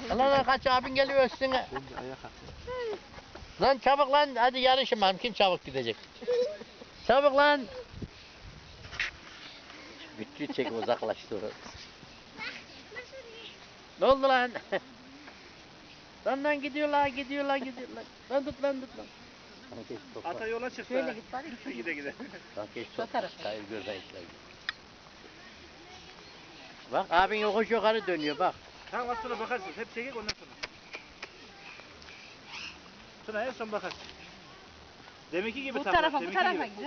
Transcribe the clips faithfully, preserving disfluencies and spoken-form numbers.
Lan lan kaç abin geliyor üstüne. Şimdi ayağa kalk. Lan çabuk lan hadi yarışın bakalım kim çabuk gidecek. Çabuk lan. Bütçü çek uzaklaştı orası. Ne oldu lan? Lan lan gidiyorlar gidiyorlar gidiyorlar. Lan tut lan tut lan. Ata yola çıktı. Şöyle git bari. Gide gide. Bak geç Şu tarafa. Hayır gözden işler. Bak abin yokuş yukarı dönüyor bak. Tamam az sonra bakarsın. Hep çekik ondan sonra. Sonra en son bakarsın. Deminki gibi Bu tam. tarafa bu deminki tarafa gibi. gidelim.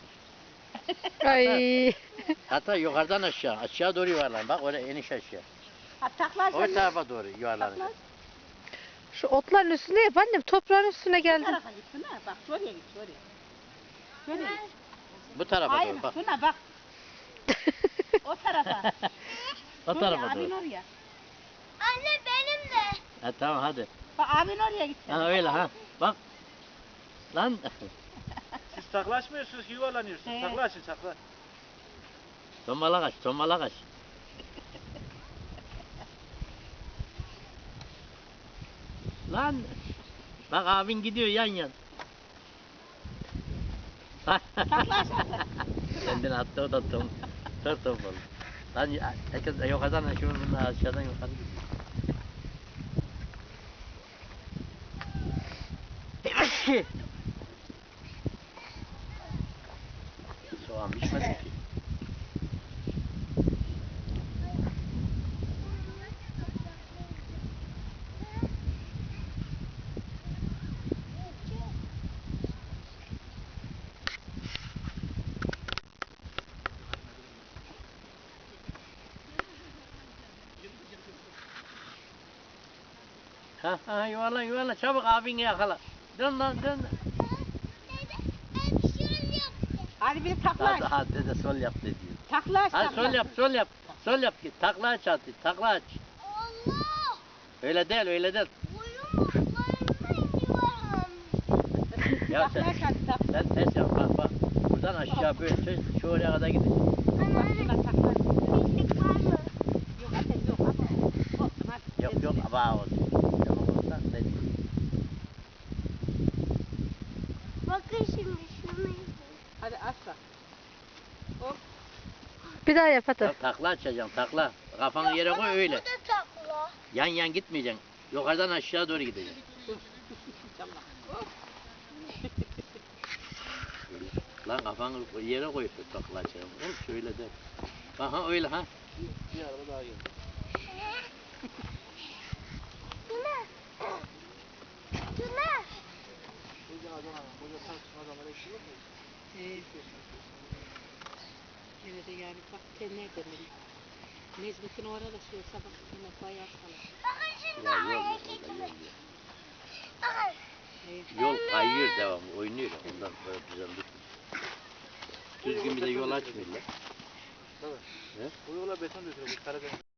Ay. Hatta yukarıdan aşağı aşağı doğru yuvarlan bak oraya eniş aşağı. Ha takla O sen. tarafa doğru yuvarlanacak. Takla. Şu otların üstüne yap annem. Toprağın üstüne Bu geldim. tarafa git Tuna. Bak şuraya git şuraya. Şuraya git. Bu tarafa Hayır doğru bak. Tuna bak. O tarafa. O Şuraya, tarafa abin doğru. oraya. Anne benim de. Ha tamam hadi. Bak abin oraya git sen. Ha öyle ha. Bak. Lan. Siz taklaşmıyorsunuz ki yuvarlanıyorsunuz. He. Takla açın takla. Tombala kaç, tombala kaç. Lan. Bak abin gidiyor yan yan. Takla aşağıda. Kendini attı o da tom. Tır tombala. Lan ya- herkes yukarıdan şu bunlar aşağıdan yukarı gidiyor. Soğan pişmedi ki. Ha ha yuvarlan yuvarlan çabuk abini yakala. Dön lan dön. Ben şöyle yaptım. Hadi bir takla aç. Hadi hadi dede sol yap dedi. Takla aç. Hadi takla. sol yap sol yap. Sol yap git takla aç hadi takla aç. Allah. Öyle değil öyle değil. Boyum ayağımda yuvarlanmış. Ya Takla sen, aç hadi takla. sen ters yap bak bak. Buradan aşağı böyle şu, şu oraya kadar gidecek. Takla takla. Pislik var mı? Yok hadi yok hadi. Olsun hadi. Yok yok aba olsun. Tamam olsa ne diyeyim. Bakın şimdi şunu yapayım. Hadi aç bak. Hop. Bir daha yap hadi. Ya, takla açacaksın takla. Kafanı yere koy öyle. Bu da takla. Yan yan gitmeyeceksin. Yukarıdan aşağı doğru gideceksin. Tamam. Hop. Lan kafanı yere koyup da takla açacaksın. Oğlum şöyle de. Aha öyle ha. Bir araba daha geldi. Tuna. Tuna. Buradan Adana. Burada tartışma adamlar eşi yok mu? Evet. Evet yani bak sen nereden bilin? Nezmit'in orada şey sabah yine bayağı sana. Bakın şimdi Ya yol yok hareketime. orada yol yok. Bakın. Evet. Yol kayıyor devam oynuyor ondan böyle düzenli. Düzgün bir de yol açmıyorlar. Tabii. He? Bu yola beton dökülecek Karadeniz.